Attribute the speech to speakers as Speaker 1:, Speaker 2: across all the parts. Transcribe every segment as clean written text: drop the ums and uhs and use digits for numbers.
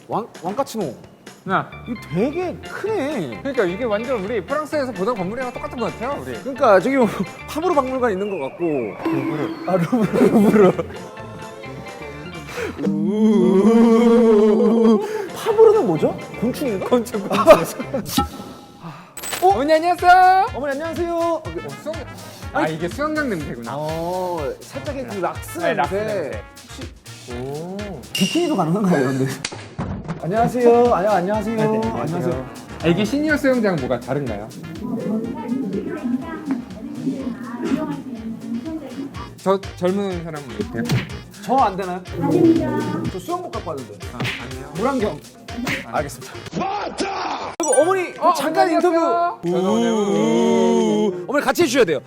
Speaker 1: 왕카치노.
Speaker 2: 야,
Speaker 1: 이거 되게 크네.
Speaker 2: 그러니까 이게 완전 우리 프랑스에서 보던 건물이랑 똑같은 것 같아요, 우리.
Speaker 1: 그러니까 저기 뭐 파브르 박물관 있는 것 같고. 루브르. 파브르는 뭐죠? 곤충인가?
Speaker 2: 곤충. 어머니 안녕하세요.
Speaker 1: 어머니 안녕하세요.
Speaker 2: 수영. 아 이게 수영장 냄새구나.
Speaker 1: 살짝의 그 락스
Speaker 2: 네, 락스
Speaker 1: 냄새.
Speaker 2: 냄새.
Speaker 1: 오. 비키니도 가능한가요, 근데? 안녕하세요. 안녕하세요. 안녕하세요.
Speaker 2: 아, 이게 시니어 수영장 뭐가 다른가요? 저 젊은 사람은 못해요?
Speaker 1: 저 안 되나요? 저 수영복 갖고 왔는데.
Speaker 2: 아니요.
Speaker 1: 물안경. 알겠습니다. 그리고 어머니 잠깐
Speaker 2: 어머니
Speaker 1: 인터뷰.
Speaker 2: 안녕하세요.
Speaker 1: 어머니 같이 해주셔야 돼요.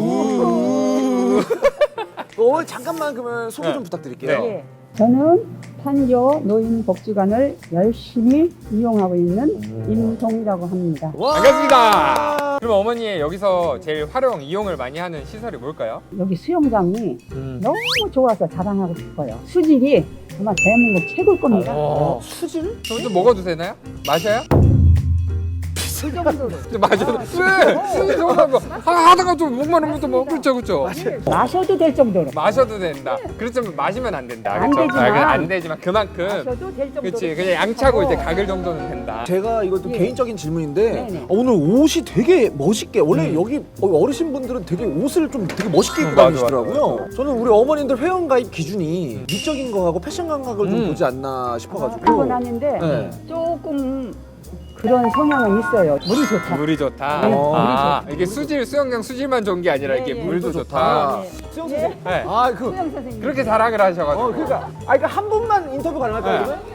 Speaker 1: 어머니 잠깐만 그러면 소개 좀 부탁드릴게요.
Speaker 2: 네.
Speaker 3: 예. 저는 판교 노인복지관을 열심히 이용하고 있는 임동이라고 합니다.
Speaker 1: 와.
Speaker 2: 반갑습니다. 그럼 어머니 여기서 제일 활용, 이용을 많이 하는 시설이 뭘까요?
Speaker 3: 여기 수영장이 너무 좋아서 자랑하고 싶어요. 수질이 아마 대한민국 최고일 겁니다.
Speaker 1: 수질?
Speaker 2: 좀 먹어도 되나요? 마셔요?
Speaker 3: 그 정도로.
Speaker 2: 마셔도 왜? 수지 좋아하는 거 하다가 좀 목만 오면 또 뭐 그렇죠.
Speaker 3: 마셔도 될 정도로.
Speaker 2: 마셔도 된다. 그렇지만 마시면 안 된다.
Speaker 3: 안
Speaker 2: 그렇죠?
Speaker 3: 되지만.
Speaker 2: 안 되지만 그만큼.
Speaker 3: 마셔도 될 정도로.
Speaker 2: 그렇지. 그냥 양차고 이제 가글 정도는 된다.
Speaker 1: 제가 이것도
Speaker 3: 예.
Speaker 1: 개인적인 질문인데
Speaker 3: 네네.
Speaker 1: 오늘 옷이 되게 멋있게 원래 여기 어르신분들은 되게 옷을 좀 되게 멋있게 입고
Speaker 2: 맞아,
Speaker 1: 다니시더라고요. 저는 우리 어머님들 회원가입 기준이 미적인 거하고 패션 감각을 좀 보지 않나 싶어가지고.
Speaker 3: 그건 아닌데
Speaker 1: 네.
Speaker 3: 조금 그런 성향은 있어요. 물이 좋다.
Speaker 2: 물이 좋다.
Speaker 3: 네,
Speaker 2: 아, 이게 수질 수영장 수질만 좋은 게 아니라 이게
Speaker 3: 네, 네.
Speaker 2: 물도
Speaker 1: 물도
Speaker 2: 좋다.
Speaker 3: 네.
Speaker 1: 수영 선생님.
Speaker 2: 네.
Speaker 1: 아, 그
Speaker 3: 수영 선생님.
Speaker 2: 그렇게 자랑을 하셔가지고.
Speaker 1: 그러니까 그러니까 한 분만 인터뷰 가능할까요?
Speaker 2: 네.
Speaker 1: 그러면?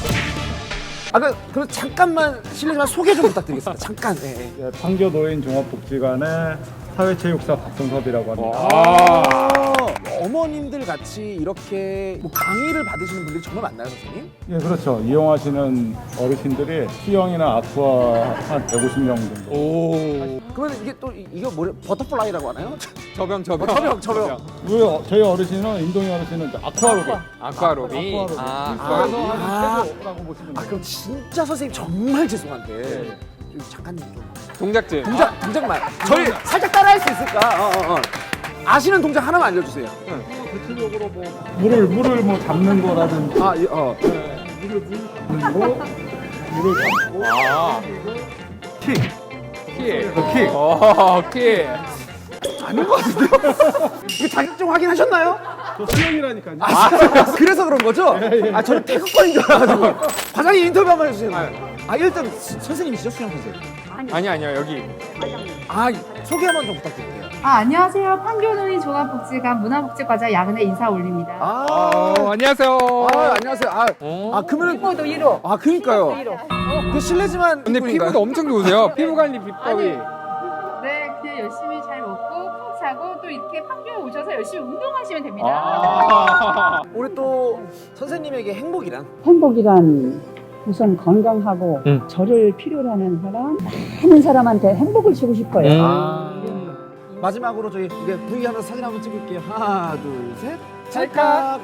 Speaker 1: 그럼 잠깐만 실례지만 소개 좀 부탁드리겠습니다. 잠깐. 네.
Speaker 4: 예, 판교 노인 종합복지관의 사회체육사 박성섭이라고 합니다.
Speaker 2: 아.
Speaker 1: 어머님들 같이 이렇게 뭐 강의를 받으시는 분들이 정말 많나요, 선생님?
Speaker 4: 예, 그렇죠. 이용하시는 어르신들이 수영이나 아쿠아 한 150명 정도.
Speaker 2: 오.
Speaker 1: 그러면 이게 또 이거 뭐래? 버터플라이라고 하나요?
Speaker 2: 저병.
Speaker 1: 저병.
Speaker 4: 우리 저희 어르신은 인동이 어르신은 이제 아쿠아로빅.
Speaker 2: 아쿠아로비.
Speaker 4: 아쿠아로빅.
Speaker 2: 아,
Speaker 4: 최고라고 보시면 돼요.
Speaker 1: 그럼 진짜 선생님 정말 죄송한데 잠깐 좀
Speaker 2: 동작질.
Speaker 1: 동작만 저희 살짝 따라할 수 있을까? 아시는 동작 하나만 알려주세요.
Speaker 4: 대체적으로 뭐 물을 뭐 잡는 거라든지
Speaker 1: 아,
Speaker 4: 물을 잡고
Speaker 2: 아.
Speaker 4: 킥.
Speaker 2: 킥.
Speaker 4: 킥.
Speaker 2: 킥.
Speaker 1: 아닌 것 같은데요? 이거 자격증 확인하셨나요?
Speaker 4: 저 수영이라니까요.
Speaker 1: 그래서 그런 거죠? 저는 태극권인 줄 알아가지고 과장님 인터뷰 한번 해주세요. 일단 선생님이시죠? 수영 선생님.
Speaker 2: 아니요 여기.
Speaker 1: 소개 한번 좀 부탁드릴게요.
Speaker 5: 안녕하세요. 판교노인 종합복지관 문화복지과장 야근의 인사 올립니다.
Speaker 2: 안녕하세요.
Speaker 1: 안녕하세요. 그러면
Speaker 3: 피부도 1호.
Speaker 1: 그러니까요. 그 실례지만
Speaker 2: 근데
Speaker 1: 이분인가요?
Speaker 2: 피부도 엄청 좋으세요. 피부 관리 비법이.
Speaker 5: 네, 그냥 열심히 잘 먹고 푹 자고 또 이렇게 판교에 오셔서 열심히 운동하시면 됩니다.
Speaker 1: 우리 또 선생님에게 행복이란?
Speaker 3: 행복이란 우선 건강하고 저를 필요로 하는 사람, 많은 사람한테 행복을 주고 싶어요.
Speaker 1: 마지막으로 저희 이게 V 하면서 사진 한번 찍을게요. 하나, 둘, 셋.
Speaker 2: 찰칵.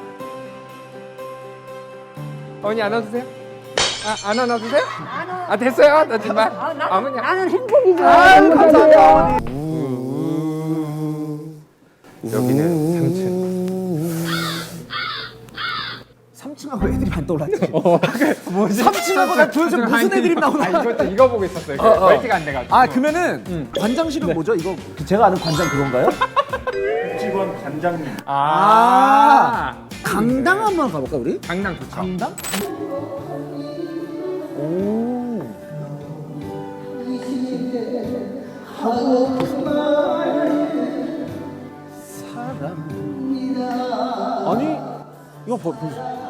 Speaker 2: 어머니 안아주세요. 안 안아주세요? 됐어요. 나 정말. 어머니.
Speaker 3: 나는 행복이죠.
Speaker 1: 감사합니다.
Speaker 2: 여기는
Speaker 1: 3층하고 애들이 안 떠올랐지.
Speaker 2: 뭐지?
Speaker 1: 3층하고 나 도대체 무슨 애들이 나오나?
Speaker 2: 이거 보고 있었어요. 멀티가 안 돼가지고.
Speaker 1: 그러면은 관장실은 뭐죠? 이거 제가 아는 관장 그건가요?
Speaker 4: 복지관 관장님.
Speaker 1: 강당 한번 가볼까 우리?
Speaker 2: 강당 좋죠.
Speaker 1: 강당? 오. 하고 사람. 아니 이거 보세요.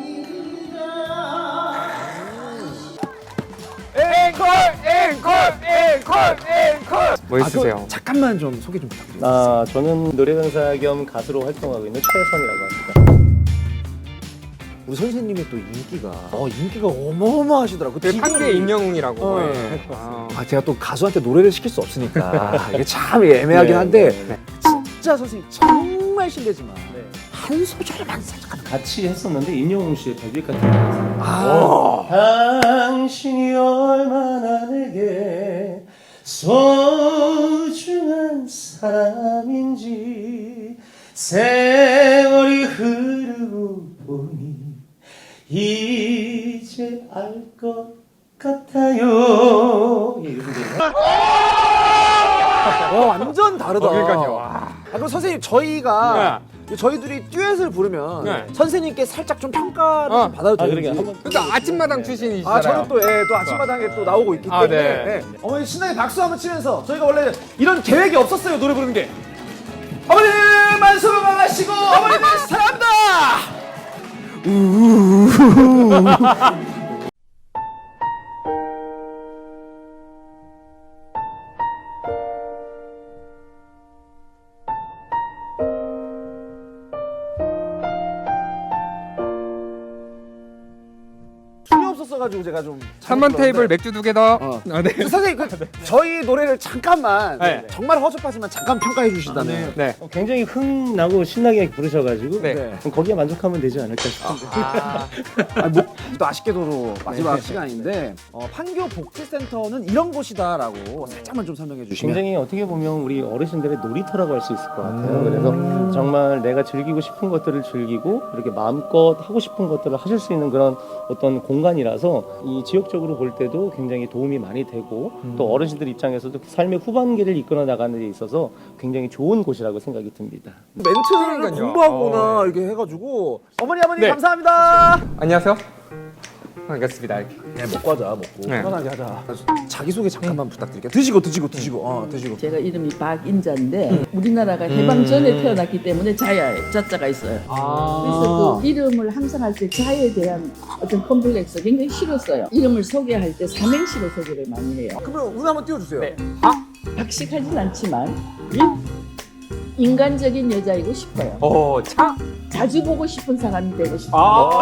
Speaker 2: 앵콜. 뭐 있으세요?
Speaker 1: 잠깐만 좀 소개 좀 부탁드립니다.
Speaker 6: 저는 노래강사 겸 가수로 활동하고 있는 최선이라고 합니다.
Speaker 1: 우리 선생님의 또 인기가 어마어마하시더라고요.
Speaker 2: 그 판대 임영웅이라고.
Speaker 1: 네.
Speaker 2: 아.
Speaker 1: 제가 또 가수한테 노래를 시킬 수 없으니까 이게 참 애매하긴 한데 진짜 선생님 정말 실례지만 한 소절만 살짝
Speaker 6: 같이 했었는데 임영웅 씨의 데뷔 같은 거.
Speaker 1: 아,
Speaker 6: 세월이 흐르고 보니 이제 알 것 같아요. 예, 이렇게 돼요.
Speaker 1: 완전 다르다.
Speaker 2: 그러니까요. 와.
Speaker 1: 그럼 선생님 저희가 저희 둘이 듀엣을 부르면
Speaker 2: 네.
Speaker 1: 선생님께 살짝 좀 평가를 좀 받아도
Speaker 6: 아,
Speaker 1: 되는지.
Speaker 6: 그러게. 한번
Speaker 2: 또 아침마당 출신이시잖아요.
Speaker 1: 아, 저는 또, 또 아침마당에 또 나오고 있기
Speaker 2: 아,
Speaker 1: 때문에.
Speaker 2: 네.
Speaker 1: 어머니 신나게 박수 한번 치면서 저희가 원래 이런 계획이 없었어요, 노래 부르는 게. 어머니 만수 건강하시고 어머니들 사랑합니다. 춤이 없었어가지고 제가 좀
Speaker 2: 3번 테이블 맥주 2개 더. 아, 네.
Speaker 1: 선생님 저희 노래를 잠깐만
Speaker 2: 네.
Speaker 1: 정말 허접하지만 잠깐 평가해 주시다면.
Speaker 2: 네.
Speaker 6: 굉장히 흥나고 신나게 부르셔가지고
Speaker 2: 네.
Speaker 1: 네.
Speaker 6: 거기에 만족하면 되지 않을까 싶은데.
Speaker 1: 또 아쉽게도 마지막 시간인데 판교 복지센터는 이런 곳이다라고 살짝만 좀 설명해 주시면.
Speaker 6: 굉장히 어떻게 보면 우리 어르신들의 놀이터라고 할 수 있을 것 같아요. 그래서 정말 내가 즐기고 싶은 것들을 즐기고 이렇게 마음껏 하고 싶은 것들을 하실 수 있는 그런 어떤 공간이라서 이 지역적으로 볼 때도 굉장히 도움이 많이 되고 또 어르신들 입장에서도 삶의 후반기를 이끌어 나가는 데 있어서 굉장히 좋은 곳이라고 생각이 듭니다.
Speaker 1: 멘트를
Speaker 2: 그러니까요.
Speaker 1: 공부하거나 이렇게 해가지고 어머니 아버님
Speaker 2: 네.
Speaker 1: 감사합니다.
Speaker 2: 안녕하세요. 반갑습니다.
Speaker 1: 네, 먹고 하자 먹고
Speaker 2: 네.
Speaker 1: 편하게 하자. 자기소개 잠깐만 부탁드릴게요. 드시고 드시고 드시고.
Speaker 3: 제가 이름이 박인자인데 우리나라가 해방 전에 태어났기 때문에 자야에 자자가 있어요. 그래서 그 이름을 항상 할 때 자에 대한 어떤 컴플렉스 굉장히 싫었어요. 이름을 소개할 때 삼행시로 소개를 많이 해요.
Speaker 1: 그러면 운 한번 띄워주세요.
Speaker 2: 네.
Speaker 3: 박식하진 않지만 인간적인 여자이고 싶어요. 자주 보고 싶은 사람이 되고 싶어요.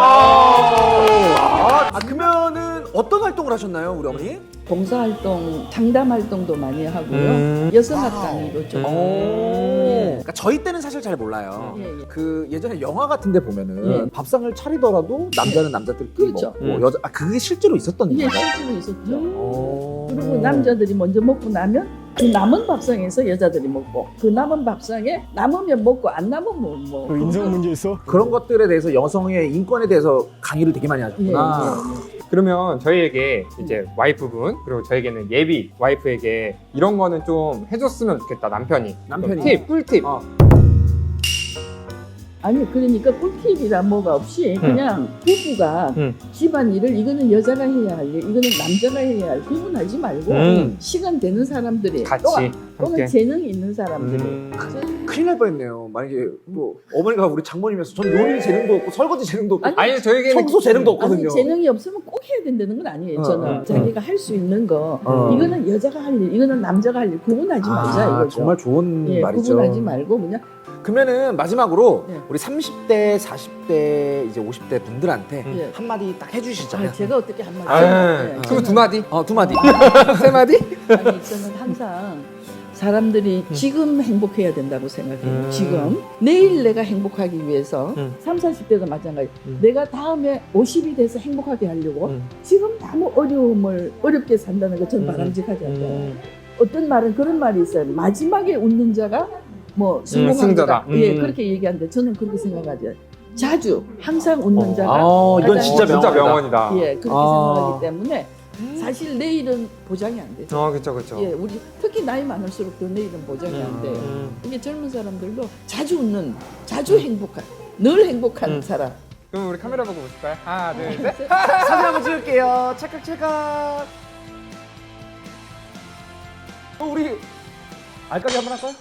Speaker 1: 그러면은 어떤 활동을 하셨나요, 우리 어머니?
Speaker 3: 봉사활동, 상담활동도 많이 하고요. 여성학 강의도 좀.
Speaker 1: 그러니까 저희 때는 사실 잘 몰라요.
Speaker 3: 예, 예.
Speaker 1: 그 예전에 영화 같은데 보면은
Speaker 3: 예.
Speaker 1: 밥상을 차리더라도 남자는 남자들끼리
Speaker 3: 그렇죠.
Speaker 1: 먹고 여자 그게 실제로 있었던
Speaker 3: 이게
Speaker 1: 일인가요?
Speaker 3: 실제로 있었죠. 그리고 남자들이 먼저 먹고 나면 그 남은 밥상에서 여자들이 먹고 그 남은 밥상에 남으면 먹고 안 남으면 뭐
Speaker 4: 인성 문제 있어?
Speaker 1: 그런 것들에 대해서 여성의 인권에 대해서 강의를 되게 많이
Speaker 3: 예,
Speaker 1: 하셨구나.
Speaker 2: 그러면 저희에게 이제 와이프분 그리고 저에게는 예비 와이프에게 이런 거는 좀 해줬으면 좋겠다 남편이.
Speaker 1: 남편이.
Speaker 2: 팁, 꿀팁.
Speaker 3: 아니 그러니까 꿀팁이란 뭐가 없이 그냥 부부가 집안일을 이거는 여자가 해야 할 일, 이거는 남자가 해야 할 구분하지 말고 시간 되는 사람들이
Speaker 2: 같이
Speaker 3: 또는
Speaker 2: 함께.
Speaker 3: 재능이 있는 사람들이
Speaker 1: 큰일 날 뻔했네요. 만약에 뭐 어머니가 우리 장모님이면서 전 요리 재능도 없고 설거지 재능도 없고
Speaker 2: 아니 저에게는
Speaker 1: 청소 재능도 없거든요.
Speaker 3: 아니 재능이 없으면 꼭 해야 된다는 건 아니에요. 저는 자기가 할 수 있는 거 이거는 여자가 할 일, 이거는 남자가 할 일 구분하지 말자 이거죠.
Speaker 1: 정말 좋은
Speaker 3: 예,
Speaker 1: 말이죠.
Speaker 3: 구분하지 말고 그냥
Speaker 1: 그러면은 마지막으로
Speaker 3: 네.
Speaker 1: 우리 30대, 40대, 이제 50대 분들한테
Speaker 3: 예.
Speaker 1: 한마디 딱 해주시잖아요.
Speaker 3: 제가 어떻게 한마디
Speaker 2: 아, 그럼 두 마디?
Speaker 1: 두 마디.
Speaker 2: 세 마디?
Speaker 3: 아니 저는 항상 사람들이 지금 행복해야 된다고 생각해요. 지금 내일 내가 행복하기 위해서 30, 40대도 마찬가지. 내가 다음에 50이 돼서 행복하게 하려고 지금 너무 어려움을 어렵게 산다는 거 전 바람직하지 않아요. 어떤 말은 그런 말이 있어요. 마지막에 웃는 자가 뭐 성공한
Speaker 2: 승자다.
Speaker 3: 거다. 예, 그렇게 얘기하는데 저는 그렇게 생각하지 않아요. 자주 항상 웃는 자가
Speaker 1: 이건
Speaker 3: 가장
Speaker 1: 진짜
Speaker 2: 진짜
Speaker 1: 명언이다.
Speaker 2: 명언이다.
Speaker 3: 예, 그렇게 생각하기 때문에 사실 내일은 보장이 안 되죠.
Speaker 2: 그쵸.
Speaker 3: 예, 우리 특히 나이 많을수록 더 내일은 보장이 안 돼요. 이게 젊은 사람들도 자주 웃는, 자주 행복한, 늘 행복한 사람.
Speaker 2: 그럼 우리 카메라 보고 보실까요? 하나, 둘, 셋.
Speaker 1: 사진 한번 찍을게요. 찰칵찰칵. 우리 알까기 한번 할까요?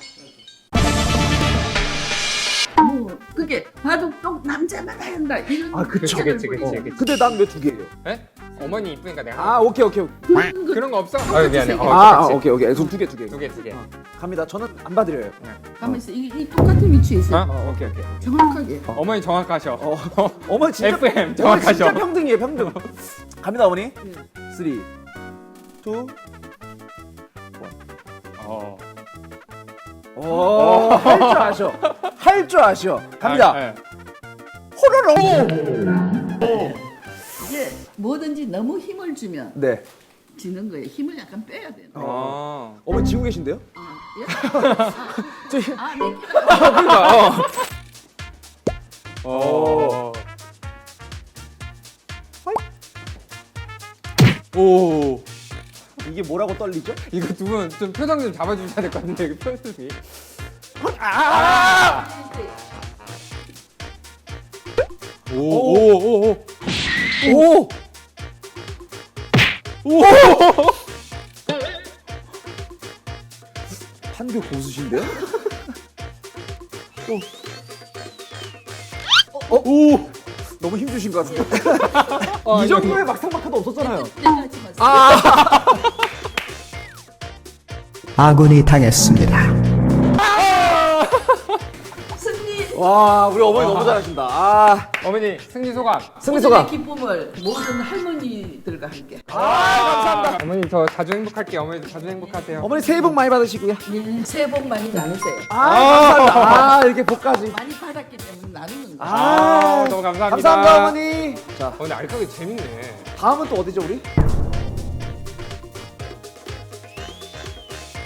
Speaker 3: 뭐 그게 봐도 또 남자만 한다 이런
Speaker 1: 그쵸.
Speaker 2: 그치.
Speaker 1: 근데 난 왜 두 개예요?
Speaker 2: 네? 어머니 이쁘니까 내가
Speaker 1: 오케이.
Speaker 2: 그런 거 없어? 아유 미안해.
Speaker 1: 오케이. 그럼 두 개.
Speaker 2: 두 개.
Speaker 1: 갑니다. 저는 안 봐드려요.
Speaker 3: 가만 있어. 이 똑같은 위치에 있어요.
Speaker 2: 오케이.
Speaker 3: 정확하게.
Speaker 2: 어머니 정확하셔.
Speaker 1: 어머니 진짜
Speaker 2: FM
Speaker 1: 어머니
Speaker 2: 정확하셔.
Speaker 1: 진짜 평등이에요, 평등. 갑니다, 어머니. 3, 2, 1. 할 줄 아셔. 갑니다.
Speaker 2: 네.
Speaker 1: 호로록.
Speaker 3: 이게 뭐든지 너무 힘을 주면
Speaker 1: 네.
Speaker 3: 지는 거예요. 힘을 약간 빼야 돼요.
Speaker 1: 어머니 지고 계신데요?
Speaker 3: 예?
Speaker 1: 저희
Speaker 3: 아, 네.
Speaker 1: 그러니까 오. 이게 뭐라고 떨리죠?
Speaker 2: 이거 두 분 좀 표정 좀 잡아주셔야 될 것 같은데 이거 표정이.
Speaker 1: 오. 판교 고수신데요? 오. 너무 힘주신 것 같은데. 이 정도의 막상막하도 없었잖아요.
Speaker 7: 아군이 당했습니다.
Speaker 3: 승리.
Speaker 1: 와, 우리 어머니 너무 잘하신다. 아,
Speaker 2: 어머니 승리 소감.
Speaker 1: 승리 소감.
Speaker 3: 기쁨을 모든 할머니들과 함께.
Speaker 1: 감사합니다.
Speaker 2: 어머니 저 자주 행복할게요. 어머니도 자주 행복하세요.
Speaker 1: 어머니 새해 복 많이 받으시고요.
Speaker 3: 새해 복 많이 나누세요.
Speaker 1: 감사합니다. 아, 이렇게 복까지.
Speaker 3: 많이 받았기 때문에 나누는 거.
Speaker 2: 너무 감사합니다.
Speaker 1: 감사합니다, 어머니. 자,
Speaker 2: 근데 알까기 재밌네.
Speaker 1: 다음은 또 어디죠, 우리?